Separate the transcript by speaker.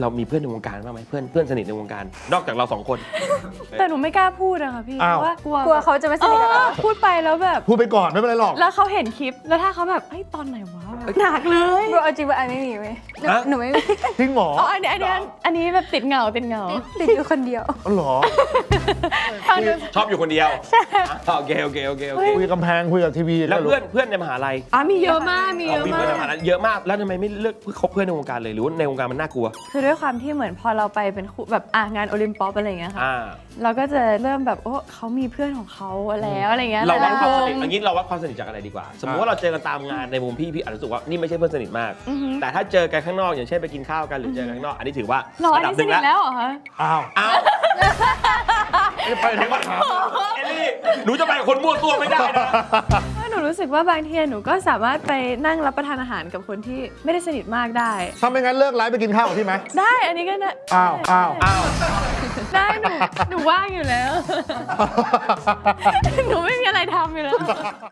Speaker 1: เรามีเพื่อนในวงการบ้างไหมเพื่อนสนิทในวงการนอกจากเรา2 คน
Speaker 2: แต่หนูไม่กล้าพูดอะค่ะพี่เพราะว่ากลัว
Speaker 3: เขาจะไม่สนิทกับเรา
Speaker 2: พูดไปแล้วแบบ
Speaker 4: พูดไปก่อนไม่เป็นไรหรอก
Speaker 2: แล้วเขาเห็นคลิปแล้วถ้าเขาแบบเฮ้ยตอนไหนวะหนักเลย
Speaker 3: บรเอาจริงว่าอันไม่มีไหมหนูไม่มี
Speaker 4: จริงเหรอ
Speaker 2: อ๋ออันนี้แบบติดเหงา
Speaker 3: ติดอยู่คนเดียว
Speaker 4: อ๋อเหรอ
Speaker 2: ฟังดู
Speaker 1: ชอบอยู่คนเดียวใช่โอเค
Speaker 4: คุยกับกำแพงคุยกับทีวี
Speaker 1: แล้วเพื่อนในมหาลัย
Speaker 2: มีเยอะมากมีเยอะ
Speaker 1: มีเพื่อนในมหา
Speaker 2: มา
Speaker 1: ลั
Speaker 2: ก
Speaker 1: ยเยอะมากแล้วทำไมไม่เลือกคบเพื่อนในวงการเลยหรือว่าในวงการมันน่ากลัว
Speaker 2: คือด้วยความที่เหมือนพอเราไปเป็นคู่แบบงานโอลิมปิกอะไรอย่างเงี้ยค่ะ
Speaker 1: อ่า
Speaker 2: เราก็จะเริ่มแบบโอ้เขามีเพื่อนของเขาแล้วอะไรเงี้ย
Speaker 1: เราวัด
Speaker 2: หลยๆ
Speaker 1: ความสนิท
Speaker 2: วง
Speaker 1: อย่างนี้เราวัดความสนิทจากอะไรดีกว่า สมมติว่าเราเจอกันตามงานในมุมพี่อาจจะรู้สึกว่านี่ไม่ใช่เพื่อนสนิทมาก
Speaker 2: อือฮึ
Speaker 1: แต่ถ้าเจอกันข้างนอกอย่างเช่นไปกินข้าวกันหรือเจอกันข้างนอกอันนี้ถือว่า
Speaker 2: หรออัน
Speaker 1: ระดับ
Speaker 2: นี้
Speaker 1: ห
Speaker 2: ส
Speaker 1: นึ่ง
Speaker 2: นิท
Speaker 1: แล้ว
Speaker 2: แล้วเหรอคะ
Speaker 4: อ้าว
Speaker 1: อ้าว
Speaker 4: ไปถึงว่าถาม
Speaker 1: เอลลี่หนูจะไปกับคนมั่วตัวไม่ได้นะ
Speaker 2: ถ้าหนูรู้สึกว่าบางทีหนูก็สามารถไปนั่งรับประทานอาหารกับคนที่ไม่ได้สนิทมากได้
Speaker 4: ถ้าไม่งั้นเลิกไลฟ์ไปกินข้าวกับพี่ไหม
Speaker 2: ได้อันนี้ก็ได้
Speaker 4: อ้าวอ้าว
Speaker 1: อ้าว
Speaker 2: ได้หนูว่างอยู่แล้ว หนูไม่มีอะไรทำอยู่แล้ว